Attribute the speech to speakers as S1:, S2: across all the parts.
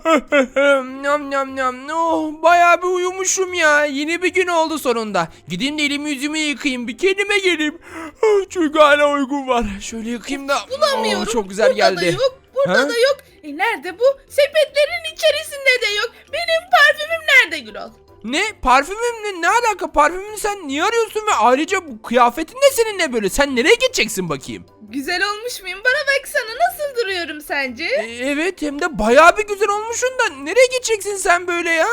S1: Nam nam nam. Oh, bayağı bir uyumuşum ya. Yeni bir gün oldu sonunda. Gideyim de elimi yüzümü yıkayayım. Bir kendime geleyim. Çünkü hala uykum var. Şöyle yıkayayım da.
S2: Bulamıyorum.
S1: Çok güzel
S2: Burada
S1: geldi.
S2: da yok. Burada
S1: Ha?
S2: da yok. Nerede bu? Sepetlerin içerisinde de yok. Benim parfümüm nerede Gürol?
S1: Ne? Parfümümle ne alaka? Parfümünü sen niye arıyorsun ve ayrıca bu kıyafetin de seninle böyle? Sen nereye gideceksin bakayım?
S2: Güzel olmuş muyum? Bana baksana, nasıl duruyorum sence?
S1: Evet, hem de bayağı bir güzel olmuşsun da nereye gideceksin sen böyle ya?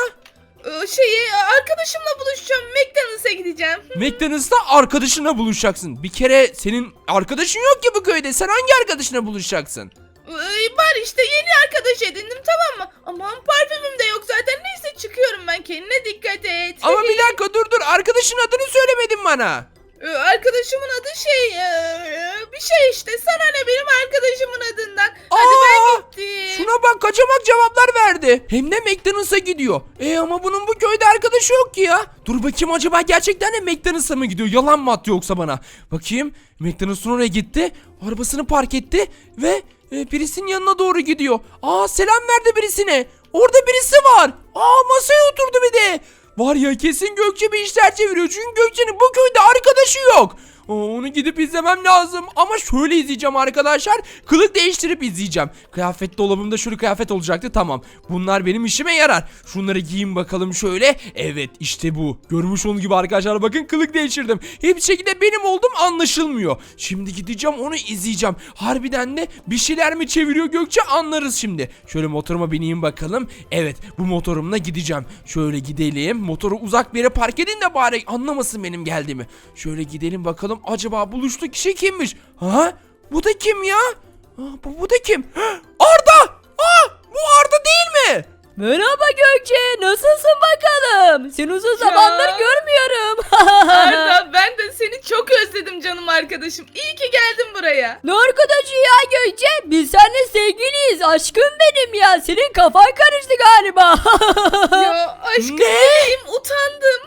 S2: Arkadaşımla buluşacağım. McDonald's'a gideceğim.
S1: McDonald's'ta arkadaşınla buluşacaksın. Bir kere senin arkadaşın yok ki bu köyde. Sen hangi arkadaşına buluşacaksın?
S2: Var işte, yeni arkadaş edindim, tamam mı? Aman parfümüm de yok zaten. Neyse, çıkıyorum ben. Kendine dikkat et.
S1: Ama bir dakika, dur. Arkadaşın adını söylemedin bana.
S2: Arkadaşımın adı bir şey işte. Sana ne benim arkadaşımın adından? Hadi ben gittim.
S1: Şuna bak, kaçamak cevaplar verdi. Hem de McDonald's'a gidiyor. Ama bunun bu köyde arkadaşı yok ki ya. Dur bakayım, acaba gerçekten de McDonald's'a mı gidiyor? Yalan mı attı yoksa bana? Bakayım, McDonald's'ın oraya gitti. Arabasını park etti ve birisinin yanına doğru gidiyor. Selam verdi birisine. Orada birisi var. Masaya oturdu bir de. Var ya, kesin Gökçe bir işler çeviriyor. Çünkü Gökçe'nin bu köyde arkadaşı yok. Onu gidip izlemem lazım. Ama şöyle izleyeceğim arkadaşlar. Kılık değiştirip izleyeceğim. Kıyafet dolabımda şöyle kıyafet olacaktı. Tamam. Bunlar benim işime yarar. Şunları giyeyim bakalım şöyle. Evet, işte bu. Görmüş olduğunuz gibi arkadaşlar, bakın kılık değiştirdim. Hiçbir şekilde benim oldum anlaşılmıyor. Şimdi gideceğim, onu izleyeceğim. Harbiden de bir şeyler mi çeviriyor Gökçe, anlarız şimdi. Şöyle motoruma bineyim bakalım. Evet, bu motorumla gideceğim. Şöyle gidelim. Motoru uzak bir yere park edin de bari anlamasın benim geldiğimi. Şöyle gidelim bakalım. Acaba buluştu kişi kimmiş? Bu da kim ya? Bu da kim? Arda! Bu Arda değil mi?
S3: Merhaba Gökçe, nasılsın bakalım? Seni uzun zamandır görmüyorum.
S2: Arda, ben de seni çok özledim canım arkadaşım. İyi ki geldin buraya.
S3: Ne arkadaşı ya Gökçe? Biz seninle sevgiliyiz, aşkım benim ya. Senin kafan karıştı galiba.
S2: Ya aşkım,
S1: Ne?
S2: bebeğim, utandım.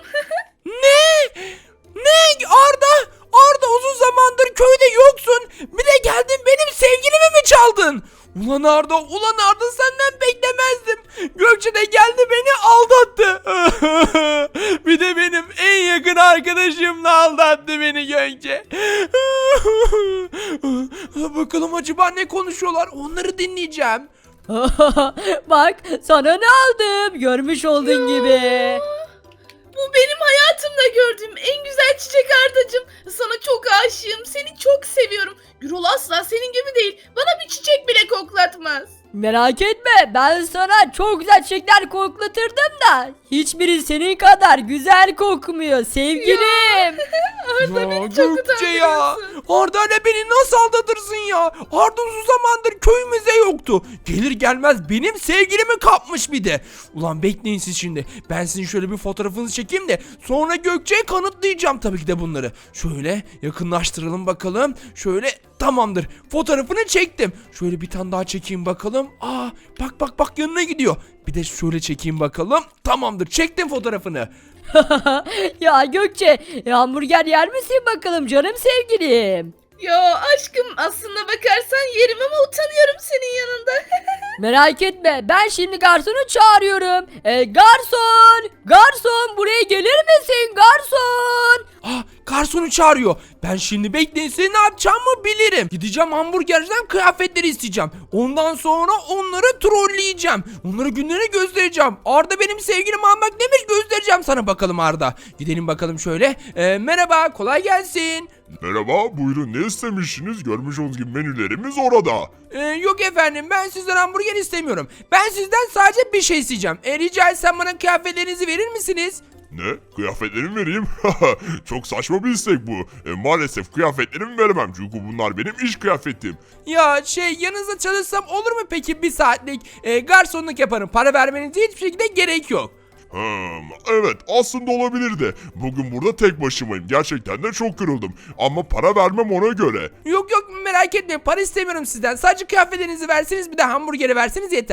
S1: Ne? Arda, uzun zamandır köyde yoksun. Bir de geldin benim sevgilimi mi çaldın? Ulan Arda, senden beklemezdim. Gökçe de geldi beni aldattı. Bir de benim en yakın arkadaşımla aldattı beni Gökçe. Bakalım acaba ne konuşuyorlar, onları dinleyeceğim.
S3: Bak, sana ne aldım? Görmüş olduğun gibi.
S2: Bu benim hayatımda gördüğüm en güzel çiçek Ardacığım. Sana çok aşığım. Seni çok seviyorum. Gürol asla senin gibi değil. Bana bir çiçek bile koklatmaz.
S3: Merak etme, ben sana çok güzel çiçekler koklatırdım da hiçbiri senin kadar güzel kokmuyor sevgilim.
S2: Arda, beni çok
S1: Gökçe ya.
S2: utandırıyorsun.
S1: Arda ile beni nasıl aldatırsın ya? Arda uzun zamandır köyümüzde yoktu. Gelir gelmez benim sevgilimi kapmış bir de. Ulan bekleyin siz şimdi. Ben sizin şöyle bir fotoğrafınızı çekeyim de sonra Gökçe'ye kanıtlayacağım tabii ki de bunları. Şöyle yakınlaştıralım bakalım. Şöyle, tamamdır. Fotoğrafını çektim. Şöyle bir tane daha çekeyim bakalım. Bak yanına gidiyor. Bir de şöyle çekeyim bakalım. Tamamdır. Çektim fotoğrafını.
S3: Ya Gökçe, hamburger yer misin bakalım canım sevgilim?
S2: Ya aşkım, aslında bakarsan yerim ama utanıyorum senin yanında.
S3: Merak etme, ben şimdi garsonu çağırıyorum. Garson buraya gelir misin garson?
S1: Garsonu çağırıyor. Ben şimdi bekleyin, seni ne yapacağımı bilirim. Gideceğim hamburgerciden kıyafetleri isteyeceğim. Ondan sonra onları trolleyeceğim. Onlara günlerini göstereceğim. Arda benim sevgilim almak demiş, göstereceğim sana bakalım Arda. Gidelim bakalım şöyle. Merhaba, kolay gelsin.
S4: Merhaba, buyurun ne istemişsiniz? Görmüş olduğunuz gibi menülerimiz orada.
S1: Yok efendim, ben sizden hamburger istemiyorum. Ben sizden sadece bir şey isteyeceğim. Rica etsem bana kıyafetlerinizi verir misiniz?
S4: Ne? Kıyafetlerimi vereyim? Çok saçma bir istek bu. Maalesef kıyafetlerimi veremem çünkü bunlar benim iş kıyafetim.
S1: Ya yanınızda çalışsam olur mu peki, bir saatlik? Garsonluk yaparım. Para vermenize hiçbir şekilde gerek yok.
S4: Evet aslında olabilirdi. Bugün burada tek başımayım. Gerçekten de çok kırıldım. Ama para vermem ona göre.
S1: Yok merak etmeyin, para istemiyorum sizden. Sadece kıyafetlerinizi verseniz, bir de hamburgeri verseniz yeter.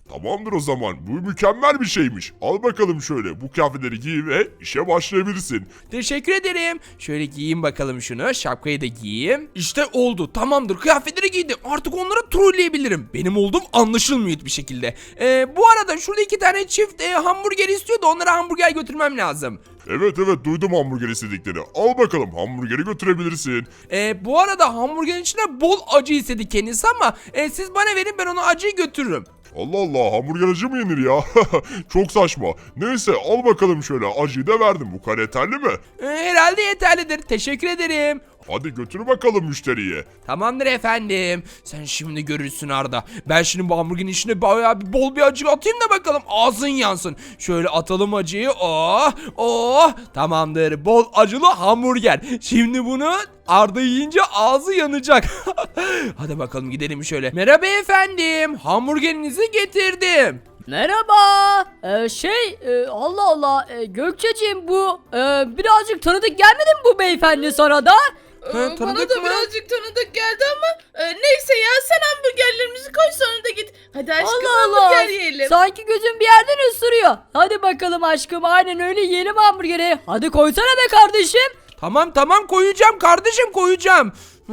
S4: Tamamdır o zaman. Bu mükemmel bir şeymiş. Al bakalım şöyle. Bu kıyafetleri giy ve işe başlayabilirsin.
S1: Teşekkür ederim. Şöyle giyeyim bakalım şunu. Şapkayı da giyeyim. İşte oldu. Tamamdır. Kıyafetleri giydim. Artık onları trolleyebilirim. Benim olduğum anlaşılmıyor bir şekilde. Bu arada şurada 2 tane çift hamburger istiyor da onlara hamburger götürmem lazım.
S4: Evet duydum hamburger istediklerini. Al bakalım hamburgeri götürebilirsin.
S1: Bu arada hamburgerin içine bol acı istedi kendisi ama siz bana verin, ben ona acıyı götürürüm.
S4: Allah Allah, hamburger acı mı yenir ya? Çok saçma. Neyse al bakalım şöyle, acıyı da verdim. Bu kadar yeterli mi?
S1: Herhalde yeterlidir. Teşekkür ederim.
S4: Hadi götür bakalım müşteriye.
S1: Tamamdır efendim. Sen şimdi görürsün Arda. Ben şimdi bu hamburgerin içine bayağı bol bir acı atayım da bakalım ağzın yansın. Şöyle atalım acıyı. Oh, oh. Tamamdır. Bol acılı hamburger. Şimdi bunu Arda yiyince ağzı yanacak. Hadi bakalım gidelim şöyle. Merhaba efendim. Hamburgerinizi getirdim.
S3: Merhaba. Allah Allah. Gökçeciğim bu birazcık tanıdık gelmedi mi bu beyefendi sana da?
S1: tanıdık
S2: Bana da
S1: mı?
S2: birazcık tanıdık geldi ama neyse ya, sen hamburgerlerimizi koy sonra da git. Hadi aşkım,
S3: Allah Allah.
S2: hamburger yiyelim.
S3: Sanki gözüm bir yerden ısırıyor. Hadi bakalım aşkım, aynen öyle yiyelim hamburgeri. Hadi koysana be kardeşim.
S1: Tamam koyacağım kardeşim, koyacağım.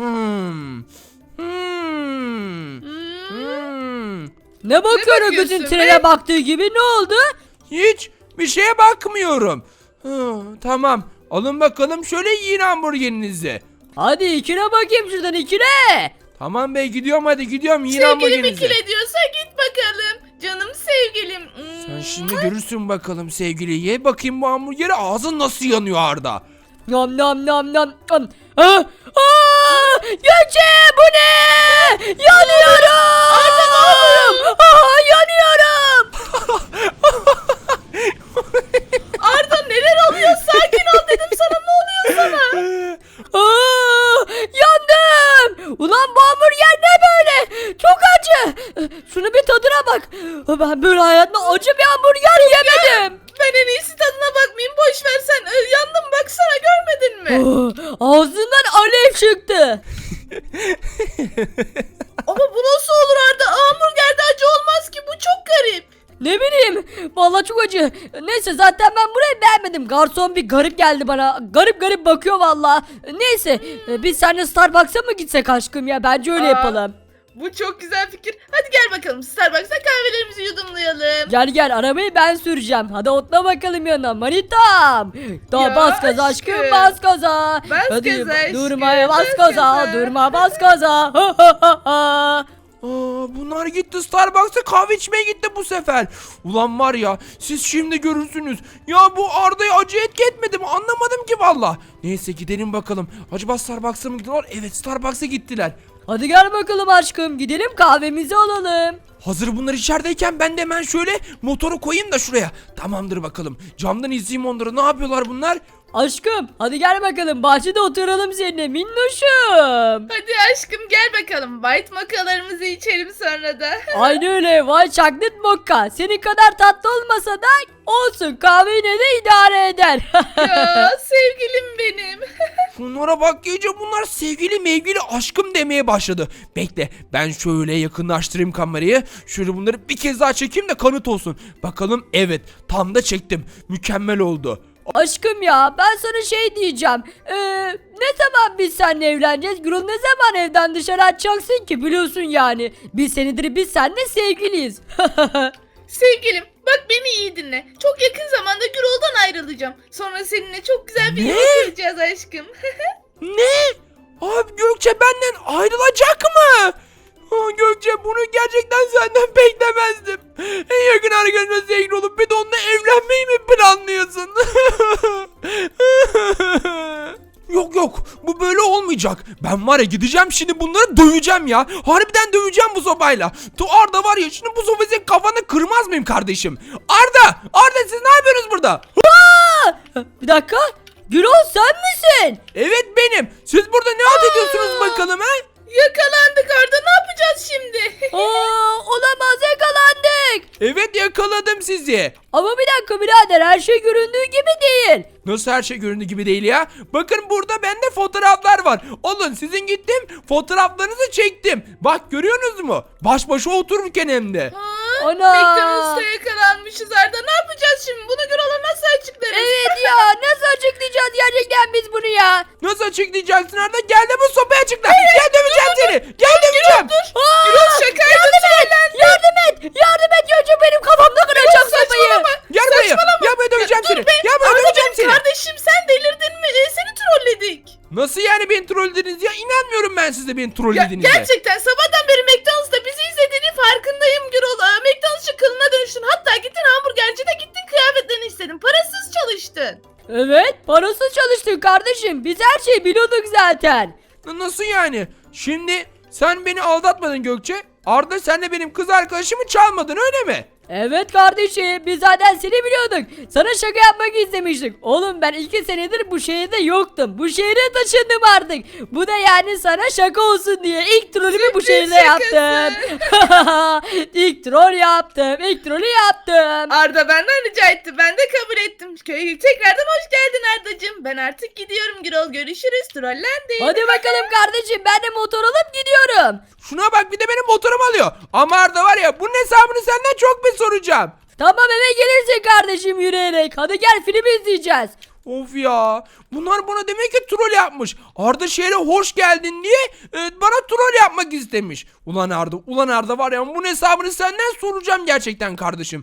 S3: Ne bakıyorsun
S2: bakıyorsun
S3: gözün
S2: be?
S3: trene baktığı gibi, ne oldu?
S1: Hiç bir şeye bakmıyorum. Tamam. Alın bakalım şöyle yiyin hamburgerinizi.
S3: Hadi ikine bakayım şuradan, ikine.
S1: Tamam bey, gidiyorum, hadi gidiyorum, yiyin
S2: Sevgilim
S1: hamburgerinizi.
S2: ikile diyorsa git bakalım. Canım sevgilim.
S1: Sen şimdi görürsün bakalım sevgili. Ye bakayım bu hamburgeri, ağzın nasıl yanıyor Arda.
S3: Nam nam nam nam. Gökçe bu ne? Yanıyorum. Yanıyorum.
S2: Arda neler oluyor? Sakin ol dedim sana, ne oluyor sana?
S3: Yandım. Ulan bu hamburger ne böyle? Çok acı. Şunu bir tadına bak. Ben böyle hayatımda acı bir hamburger yemedim.
S2: Ben en iyisi tadına bakmayayım, boş ver sen. Yandım baksana, görmedin mi?
S3: Ağzından alev çıktı.
S2: Ama bu nasıl olur Arda? Hamburgerde acı olmaz ki, bu çok garip.
S3: Ne bileyim. Vallahi çok acı. Neyse zaten ben burayı beğenmedim. Garson bir garip geldi bana. Garip garip bakıyor vallahi. Neyse biz seninle Starbucks'a mı gitsek aşkım ya? Bence öyle yapalım.
S2: Bu çok güzel fikir. Hadi gel bakalım Starbucks'a kahvelerimizi yudumlayalım.
S3: Gel arabayı ben süreceğim. Hadi otla bakalım yanına manitam. Daha
S2: Ya
S3: bas gaza aşkım,
S2: aşkım.
S3: bas gaza.
S2: Bas
S3: Hadi
S2: gaza aşkım,
S3: durma bas
S2: bas
S3: gaza.
S2: gaza.
S3: Durma bas gaza.
S1: Bunlar gitti Starbucks'a kahve içmeye gitti bu sefer. Ulan var ya, siz şimdi görürsünüz. Ya bu Arda'yı acı etki etmedi mi, anlamadım ki valla. Neyse gidelim bakalım. Acaba Starbucks'a mı gidiyorlar? Evet, Starbucks'a gittiler.
S3: Hadi gel bakalım aşkım, gidelim kahvemizi alalım.
S1: Hazır bunlar içerideyken ben de hemen şöyle motoru koyayım da şuraya. Tamamdır bakalım. Camdan izleyeyim onları. Ne yapıyorlar bunlar?
S3: Aşkım hadi gel bakalım, bahçede oturalım seninle minnoşum.
S2: Hadi aşkım gel bakalım. White mochalarımızı içelim sonra da.
S3: Aynı öyle, vay chocolate mocha. Senin kadar tatlı olmasa da olsun, kahve yine de idare eder.
S2: Ya sevgilim benim.
S1: Şunlara bak, iyice bunlar sevgili mevgili aşkım demeye başladı. Bekle, ben şöyle yakınlaştırayım kamerayı. Şöyle bunları bir kez daha çekeyim de kanıt olsun. Bakalım, evet tam da çektim. Mükemmel oldu.
S3: Aşkım ya, ben sana şey diyeceğim. Ne zaman biz seninle evleneceğiz? Gürül ne zaman evden dışarı atacaksın ki, biliyorsun yani. Bir senedir biz seninle sevgiliyiz.
S2: Sevgilim bak beni iyi dinle. Çok yakın zamanda Gürol'dan ayrılacağım. Sonra seninle çok güzel bir
S1: Ne?
S2: yuva kuracağız aşkım.
S1: Ne? Abi Gökçe benden ayrılacak mı? Gökçe, bunu gerçekten senden beklemezdim. En yakın arkadaşımla sevgili olup bir de onunla evlenmeyi mi planlıyorsun? Yok bu böyle olmayacak. Ben var ya, gideceğim şimdi bunları döveceğim ya. Harbiden döveceğim bu sopayla. Arda var ya, şimdi bu sopayı senin kafanı kırmaz mıyım kardeşim? Arda siz ne yapıyorsunuz burada?
S3: Bir dakika, Gürül sen misin?
S1: Evet benim. Siz burada ne halt ediyorsunuz bakalım ha?
S2: Yakalandık Arda, ne yapacağız şimdi?
S3: Olamaz, yakalandık.
S1: Evet, yakaladım sizi.
S3: Ama bir dakika birader, her şey göründüğü gibi değil.
S1: Nasıl her şey göründüğü gibi değil ya? Bakın burada bende fotoğraflar var. Alın, sizin gittim fotoğraflarınızı çektim. Bak görüyorsunuz mu? Baş başa otururken hem de.
S3: Ana.
S2: McDonald's'ta yakalanmışız Arda. Ne yapacağız şimdi? Bunu Gürol'a nasıl açıklarız?
S3: Evet ya nasıl açıklayacağız gerçekten biz bunu ya?
S1: Nasıl açıklayacaksın Arda? Gel de bu sopayı açıkla. Gel döveceğim seni. Gel döveceğim.
S3: Aa,
S2: Gürol şakaydı.
S3: yardım et! Yardım et Gökçe benim kafamda kıracak sopayı.
S1: Gel buraya. Gel buraya döveceğim seni. Gel buraya
S2: Arda
S1: döveceğim
S2: benim
S1: seni.
S2: kardeşim, sen delirdin mi? Seni trolledik.
S1: Nasıl yani beni trollediniz ya? İnanmıyorum ben size beni trollediğinize.
S2: Gerçekten sabahtan beri McDonald's'ta bizi izlediğini farkındayım Gürol. McDonald'sçı kılına dönüştün. Hatta gittin hamburgercide gittin kıyafetlerini istedin. Parasız çalıştın.
S3: Evet parasız çalıştık kardeşim. Biz her şeyi biliyorduk zaten.
S1: Nasıl yani? Şimdi sen beni aldatmadın Gökçe. Arda sen de benim kız arkadaşımı çalmadın öyle mi?
S3: Evet kardeşim biz zaten seni biliyorduk. Sana şaka yapmak istemiştik. Oğlum ben 2 senedir bu şehirde yoktum. Bu şehre taşındım artık. Bu da yani sana şaka olsun diye ilk trolümü bu şehirde
S2: şakası.
S3: yaptım. İlk troll yaptım. İlk trolü yaptım.
S2: Arda benden rica etti. Ben de kabul ettim. Köye tekrardan hoş geldin Ardacığım. Ben artık gidiyorum Gürol. Görüşürüz. Trollendik.
S3: Hadi bakalım kardeşim ben de motor alıp gidiyorum.
S1: Şuna bak bir de benim motorumu alıyor. Ama Arda var ya bunun hesabını senden çok bir soracağım.
S3: Tamam eve gelirsin kardeşim yürüyerek. Hadi gel film izleyeceğiz.
S1: Of ya. Bunlar bana demek ki troll yapmış. Arda şehre hoş geldin diye bana troll yapmak istemiş. Ulan Arda var ya bunun hesabını senden soracağım gerçekten kardeşim.